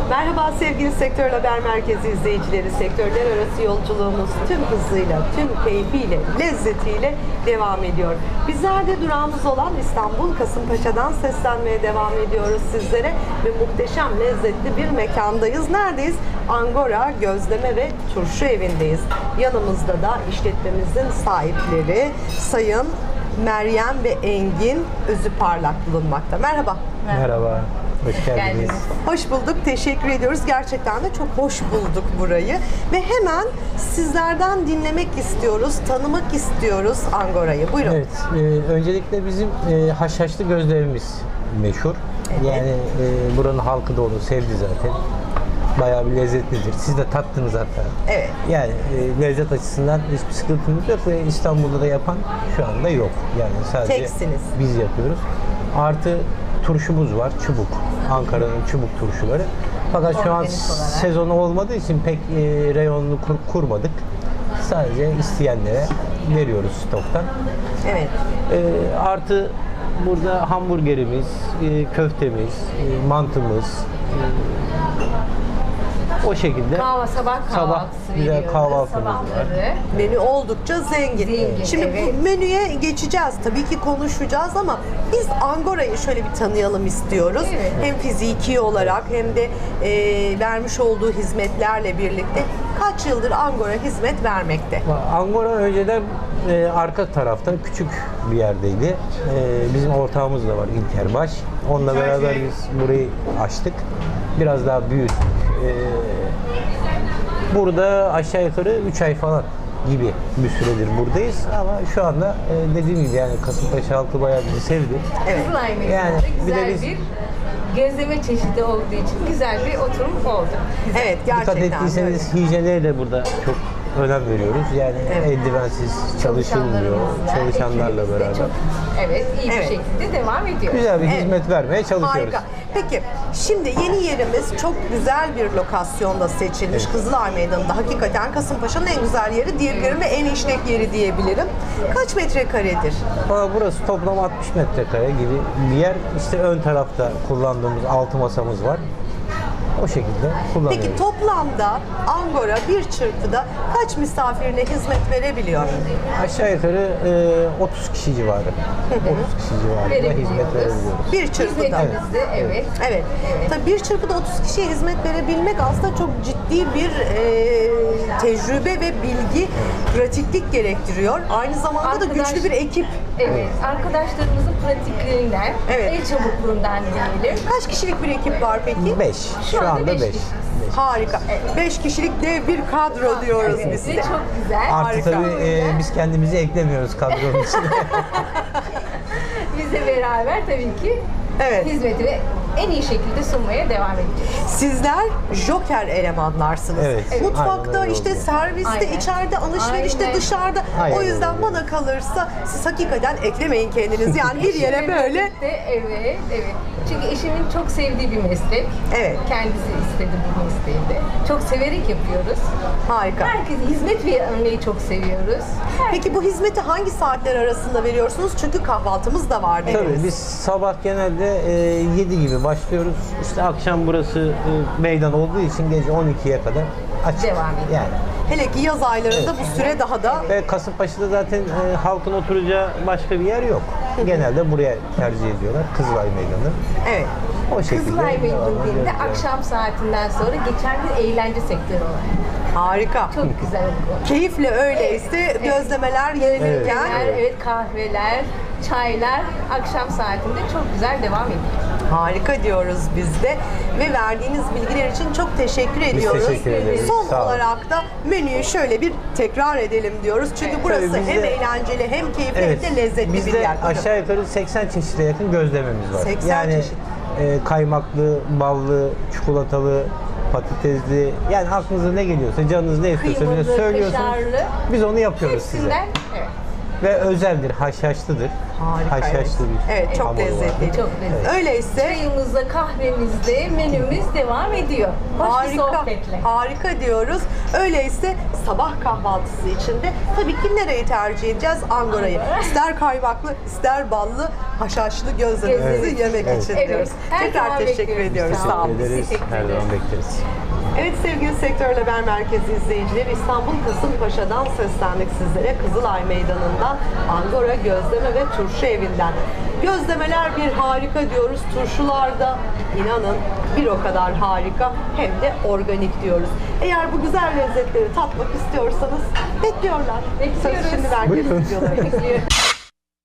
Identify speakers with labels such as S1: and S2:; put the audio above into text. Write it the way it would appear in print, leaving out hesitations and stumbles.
S1: Merhaba sevgili Sektör Haber Merkezi izleyicileri. Sektörler arası yolculuğumuz tüm hızıyla, tüm keyfiyle, lezzetiyle devam ediyor. Bizler de durağımız olan İstanbul Kasımpaşa'dan seslenmeye devam ediyoruz sizlere ve muhteşem lezzetli bir mekandayız. Neredeyiz? Angora Gözleme ve Turşu Evi'ndeyiz. Yanımızda da işletmemizin sahipleri Sayın Meryem ve Engin Özüparlak bulunmakta. Merhaba.
S2: Merhaba, hoş geldiniz.
S1: Hoş bulduk, teşekkür ediyoruz. Gerçekten de çok hoş bulduk burayı. Ve hemen sizlerden dinlemek istiyoruz, tanımak istiyoruz Angora'yı. Buyurun.
S2: Evet, öncelikle bizim haşhaşlı gözlemimiz meşhur.
S1: Evet.
S2: Yani buranın halkı da onu sevdi zaten. Bayağı bir lezzetlidir. Siz de tattınız hatta.
S1: Evet.
S2: Yani lezzet açısından hiçbir sıkıntımız yok ve İstanbul'da da yapan şu anda yok. Yani sadece
S1: Teksiniz.
S2: biz yapıyoruz. Artı turşumuz var, çubuk. Ankara'nın çubuk turşuları. Fakat şu an
S1: Organik olarak.
S2: sezonu olmadığı için pek reyonunu kurmadık. Sadece isteyenlere veriyoruz stoktan.
S1: Evet.
S2: Artı burada hamburgerimiz, köftemiz, mantımız, o şekilde.
S3: Sabah kahvaltısı
S2: güzel
S3: veriyoruz.
S2: kahvaltımız var.
S3: Sabahları.
S1: Menü oldukça zengin.
S3: Zengin,
S1: Şimdi
S3: evet.
S1: bu menüye geçeceğiz. Tabii ki konuşacağız ama biz Angora'yı şöyle bir tanıyalım istiyoruz.
S3: Evet.
S1: Hem fiziki olarak hem de vermiş olduğu hizmetlerle birlikte kaç yıldır Angora hizmet vermekte?
S2: Angora önceden arka tarafta küçük bir yerdeydi. Bizim ortağımız da var İlker Baş. Onunla beraber biz burayı açtık. Biraz daha büyüttük. Burada aşağı yukarı 3 ay falan gibi bir süredir buradayız ama şu anda dediğim gibi yani Kasımpaşa halkı bayağı bizi sevdi.
S1: Evet.
S3: Kızılay Meydanı'nda
S2: Yani bir de
S3: güzel
S2: biz-
S3: bir gözleme çeşidi olduğu için güzel bir oturum oldu.
S1: Evet,
S2: Dikkat
S1: gerçekten öyle.
S2: ettiyseniz hijyene de burada çok önem veriyoruz. Yani
S1: Evet.
S2: eldivensiz çalışılmıyor.
S3: Çalışanlarımızla,
S2: Çalışanlarla
S3: ekibimizle
S2: beraber.
S3: çok, iyi
S1: Evet.
S3: bir şekilde devam ediyor.
S2: Güzel bir
S1: Evet.
S2: hizmet vermeye çalışıyoruz.
S1: Harika. Peki şimdi yeni yerimiz çok güzel bir lokasyonda seçilmiş. Kızılay Meydanı'nda hakikaten Kasımpaşa'nın en güzel yeri diyebilirim ve en işlek yeri diyebilirim. Kaç metrekaredir?
S2: Valla burası toplam 60 metrekare gibi bir yer. İşte ön tarafta kullandığımız 6 masamız var. O şekilde kullanıyoruz.
S1: Peki toplamda Angora bir çırpıda kaç misafirine hizmet verebiliyor?
S2: Aşağı yukarı 30 kişi civarı. 30 kişi civarında
S3: Verebiliyoruz.
S2: hizmet verebiliyoruz.
S1: Bir çırpıda.
S3: Hizmetimizde evet.
S1: Evet. Tabii bir çırpıda 30 kişiye hizmet verebilmek aslında çok ciddi bir tecrübe ve bilgi, pratiklik gerektiriyor. Aynı zamanda da güçlü bir ekip.
S3: Evet, arkadaşlarımızın pratiklerinden,
S1: Evet.
S3: el çabukluğundan diyelim.
S1: Kaç kişilik bir ekip var peki?
S2: 5. Şu
S3: anda
S2: anda
S3: beş
S2: 5.
S3: kişi.
S1: Harika. 5 kişilik dev bir kadro diyoruz
S3: Evet,
S1: biz
S3: ve
S1: de.
S3: çok güzel.
S2: Artı
S1: Harika.
S2: tabii biz kendimizi eklemiyoruz kadronun içine.
S3: Bizle beraber tabii ki
S1: Evet.
S3: hizmeti en iyi şekilde sunmaya devam edeceğiz.
S1: Sizler joker elemanlarsınız.
S2: Evet.
S1: Mutfakta,
S2: Aynen öyle
S1: işte
S2: oluyor.
S1: serviste,
S3: Aynen.
S1: içeride, alışverişte,
S3: Aynen.
S1: dışarıda.
S2: Aynen
S1: O yüzden
S2: öyle.
S1: bana kalırsa siz hakikaten eklemeyin kendinizi. Yani bir yere
S3: Eşimle
S1: böyle.
S3: birlikte, evet, evet. Çünkü eşimin çok sevdiği bir meslek.
S1: Evet.
S3: Kendisi istedi bu mesleği de. Çok severek yapıyoruz.
S1: Harika.
S3: Herkese hizmet vermeyi çok seviyoruz.
S1: Peki bu hizmeti hangi saatler arasında veriyorsunuz? Çünkü kahvaltımız da var dediniz.
S2: Tabii biz sabah genelde 7 gibi başlıyoruz. İşte akşam burası meydan olduğu için gece 12'ye kadar açık.
S3: Devam ediyor.
S2: Yani.
S1: Hele ki yaz aylarında bu süre daha da
S2: Ve Kasımpaşa'da zaten halkın oturacağı başka bir yer yok. Genelde buraya tercih ediyorlar. Kızılay Meydanı.
S1: evet.
S2: O şekilde.
S3: Kızılay Meydanı
S2: devam
S3: dediğinde
S2: ediyoruz.
S3: akşam saatinden sonra geçen bir eğlence sektörü olarak.
S1: Harika.
S3: Çok güzel oldu.
S1: Keyifle öyleyse gözlemeler yenilirken
S3: Evet, kahveler, çaylar akşam saatinde çok güzel devam ediyor.
S1: harika diyoruz biz de ve verdiğiniz bilgiler için çok teşekkür ediyoruz.
S2: teşekkür ederiz.
S1: Son
S2: Sağ olun.
S1: olarak da menüyü şöyle bir tekrar edelim diyoruz. Çünkü burası
S2: Tabii
S1: hem
S2: bizde-
S1: eğlenceli hem keyifli
S2: Evet.
S1: hem de lezzetli bir
S2: Bizde
S1: yer.
S2: aşağı yukarı 80 çeşide yakın gözlememiz var.
S1: 80
S2: yani
S1: çeşit.
S2: Kaymaklı, ballı, çikolatalı, patatesli, yani aklınıza ne geliyorsa, canınız ne istiyorsa bize
S3: Kıymalı,
S2: söylüyorsunuz.
S3: kaşarlı.
S2: Biz onu yapıyoruz size.
S3: Hepsinden, evet.
S2: Ve özeldir, haşhaşlıdır.
S1: Harika.
S2: haşhaşlı bir
S1: Evet, çok
S2: hamuru var.
S1: lezzetli.
S3: Çok lezzetli.
S1: Öyleyse
S3: Çayımızda, kahvemizde menümüz devam ediyor. Hoş bir
S1: harika,
S3: sohbetle.
S1: harika diyoruz. Öyleyse sabah kahvaltısı içinde tabii ki nereyi tercih edeceğiz? Angora'yı.
S3: Angora.
S1: İster kaymaklı, ister ballı, haşhaşlı gözlemimizi
S2: Evet.
S1: yemek
S2: Evet.
S1: için
S3: Evet.
S1: diyoruz.
S3: Her
S1: Tekrar
S3: zaman
S1: teşekkür
S3: bekliyoruz.
S1: ediyoruz.
S3: Sağ
S1: Sağ
S3: olun.
S1: olun.
S2: ederiz.
S3: Teşekkür
S2: Her zaman
S3: ederiz.
S2: bekleriz.
S1: Evet sevgili Sektör Haber Merkezi izleyicileri, İstanbul Kasımpaşa'dan seslendik sizlere. Kızılay Meydanı'ndan Angora Gözleme ve Turşu Evi'nden. Gözlemeler bir harika diyoruz. Turşular da inanın bir o kadar harika, hem de organik diyoruz. Eğer bu güzel lezzetleri tatmak istiyorsanız bekliyorlar.
S3: Bekliyoruz.
S1: Söz şimdi merkez
S2: Buyurun.
S1: stüdyolarında.
S3: Bekliyoruz.